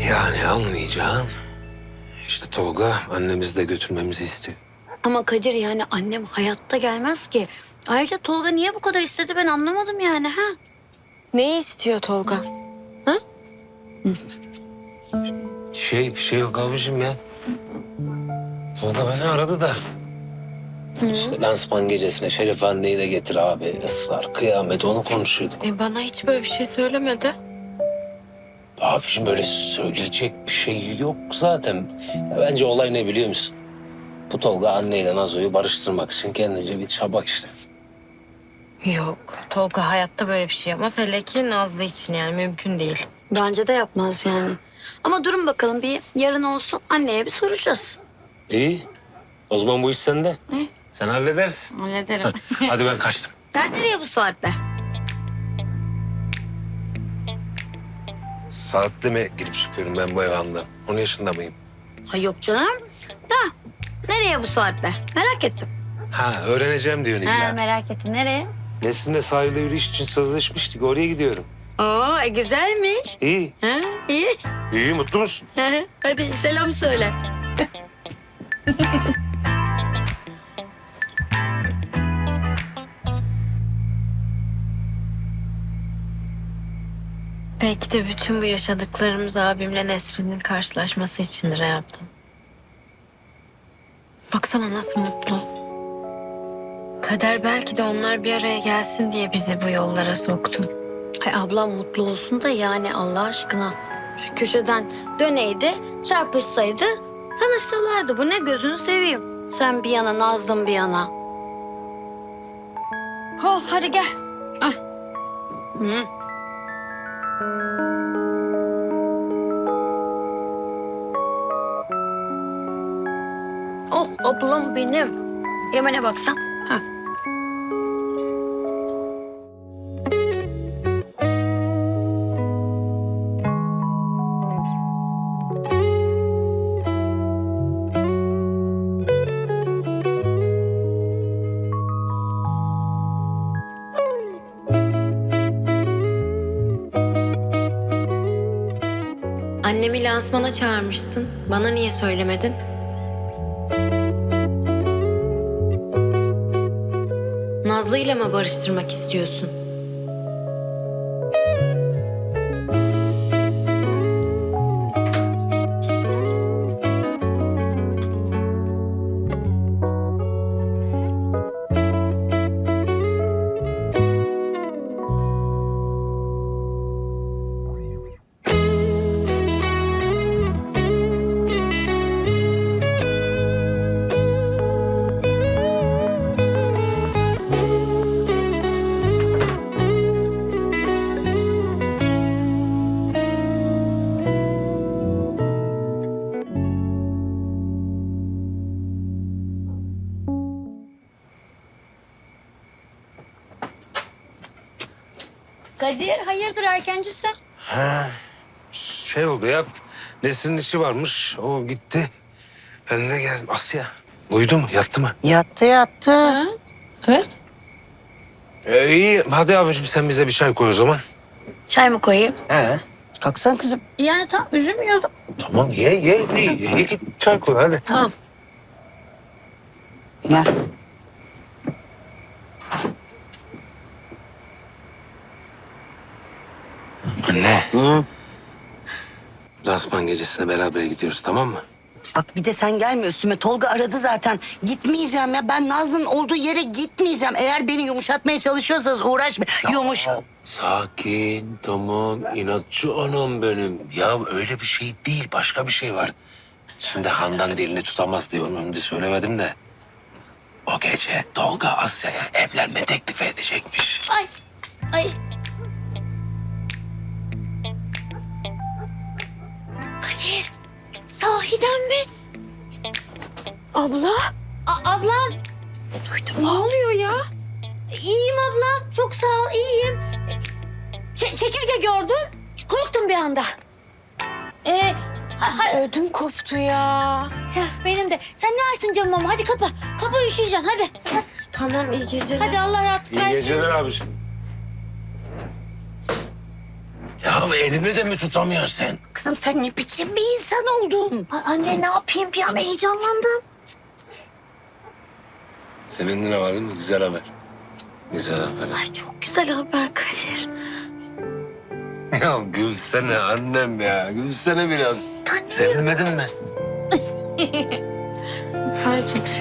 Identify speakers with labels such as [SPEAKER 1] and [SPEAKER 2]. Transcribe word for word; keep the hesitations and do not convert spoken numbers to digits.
[SPEAKER 1] Yani anlayacağım. İşte Tolga annemizi de götürmemizi istiyor.
[SPEAKER 2] Ama Kadir yani annem hayatta gelmez ki. Ayrıca Tolga niye bu kadar istedi ben anlamadım yani ha?
[SPEAKER 3] Neyi istiyor Tolga?
[SPEAKER 1] Şey bir şey yok abicim ya. Tolga beni aradı da. İşte lansman gecesine Şeref anneyi de getir abi. Israr, kıyamet onu konuşuyorduk.
[SPEAKER 3] E bana hiç böyle bir şey söylemedi.
[SPEAKER 1] Abicim böyle söyleyecek bir şey yok zaten. Ya bence olay ne biliyor musun? Bu Tolga anneyle Nazo'yu barıştırmak için kendince bir çaba işte.
[SPEAKER 3] Yok. Tolga hayatta böyle bir şey yapmaz. Hele ki Nazlı için yani mümkün değil.
[SPEAKER 2] Bence de yapmaz yani. Ama durun bakalım bir yarın olsun anneye bir soracağız.
[SPEAKER 1] İyi. O zaman bu iş sende.
[SPEAKER 2] İyi.
[SPEAKER 1] Sen halledersin.
[SPEAKER 2] Hallederim.
[SPEAKER 1] Hadi ben kaçtım.
[SPEAKER 2] Sen nereye bu saatte?
[SPEAKER 1] Saatli mi girip çıkıyorum ben bu evanda? on yaşında mıyım?
[SPEAKER 2] Ha yok canım. Da nereye bu saatte? Merak ettim.
[SPEAKER 1] Ha öğreneceğim diyorsun
[SPEAKER 2] Ha,
[SPEAKER 1] illa.
[SPEAKER 2] merak ettim. Nereye?
[SPEAKER 1] Nesin'le sahilde yürüyüş için sözleşmiştik. Oraya gidiyorum.
[SPEAKER 2] Oo e, güzelmiş.
[SPEAKER 1] İyi.
[SPEAKER 2] Ha, iyi.
[SPEAKER 1] İyi mutlu musun?
[SPEAKER 2] Hadi selam söyle.
[SPEAKER 3] Belki de bütün bu yaşadıklarımız abimle Nesrin'in karşılaşması içindir hayatım. Baksana nasıl mutlu. Kader belki de onlar bir araya gelsin diye bizi bu yollara soktu.
[SPEAKER 2] Ay ablam mutlu olsun da yani Allah aşkına. Şu köşeden döneydi, çarpışsaydı tanışsalardı. Bu ne gözünü seveyim. Sen bir yana, Nazlım bir yana. Oh hadi gel. Ah. Hı. Oh ablam benim. Yemen'e baksan. Ha.
[SPEAKER 3] Annemi lansmana çağırmışsın. Bana niye söylemedin? Nazlı'yla mı barıştırmak istiyorsun?
[SPEAKER 2] Kadir hayırdır erkencisin?
[SPEAKER 1] Ha, şey oldu ya. Nesin'in işi varmış. O gitti. Ben de geldim. Asya. Uyudu mu? Yattı mı?
[SPEAKER 4] Yattı yattı.
[SPEAKER 1] Ee, iyi. Hadi abicim sen bize bir çay koy o zaman.
[SPEAKER 2] Çay mı koyayım?
[SPEAKER 1] He.
[SPEAKER 4] Kalksana kızım.
[SPEAKER 2] Yani tam üzülmüyordum.
[SPEAKER 1] Tamam ye ye. ye, ye git çay koy hadi.
[SPEAKER 2] Tamam.
[SPEAKER 4] Gel.
[SPEAKER 1] Anne.
[SPEAKER 4] Hı.
[SPEAKER 1] Lansman gecesine beraber gidiyoruz tamam mı?
[SPEAKER 4] Bak bir de sen gelme üstüme. Tolga aradı zaten. Gitmeyeceğim ya. Ben Nazlı'nın olduğu yere gitmeyeceğim. Eğer beni yumuşatmaya çalışıyorsanız uğraşma. Yumuş.
[SPEAKER 1] Sakin, tamam. İnatçı anam benim. Ya öyle bir şey değil, başka bir şey var. Şimdi Handan dilini tutamaz diye onun önünde söylemedim de. O gece Tolga Asya'ya evlenme teklifi edecekmiş.
[SPEAKER 2] Ay. Ay. Kadir. Sahiden mi?
[SPEAKER 3] Abla.
[SPEAKER 2] A- ablam.
[SPEAKER 3] Ne oluyor ya?
[SPEAKER 2] İyiyim ablam. Çok sağ ol. iyiyim. Ç- çekirge gördüm. Korktum bir anda. Ee, ha- ha-
[SPEAKER 3] Ödüm koptu ya.
[SPEAKER 2] ya benim de. Sen ne açtın camımı ama? Hadi kapa. Kapa üşüyeceksin hadi.
[SPEAKER 3] Tamam iyi geceler.
[SPEAKER 2] Hadi Allah rahatlık
[SPEAKER 1] İyi
[SPEAKER 2] versin.
[SPEAKER 1] geceler abiciğim. Ya elimi de mi tutamıyorsun sen?
[SPEAKER 4] Kızım sen ne biçim bir insan oldun?
[SPEAKER 2] Ay, anne ne yapayım bir an heyecanlandım.
[SPEAKER 1] Sevindin ama değil mi? Güzel haber. Güzel haber.
[SPEAKER 2] Ay çok güzel haber Kadir.
[SPEAKER 1] Ya gülsene annem ya. Gülsene biraz.
[SPEAKER 2] Anne.
[SPEAKER 1] Sevinmedin mi?
[SPEAKER 3] Ay çok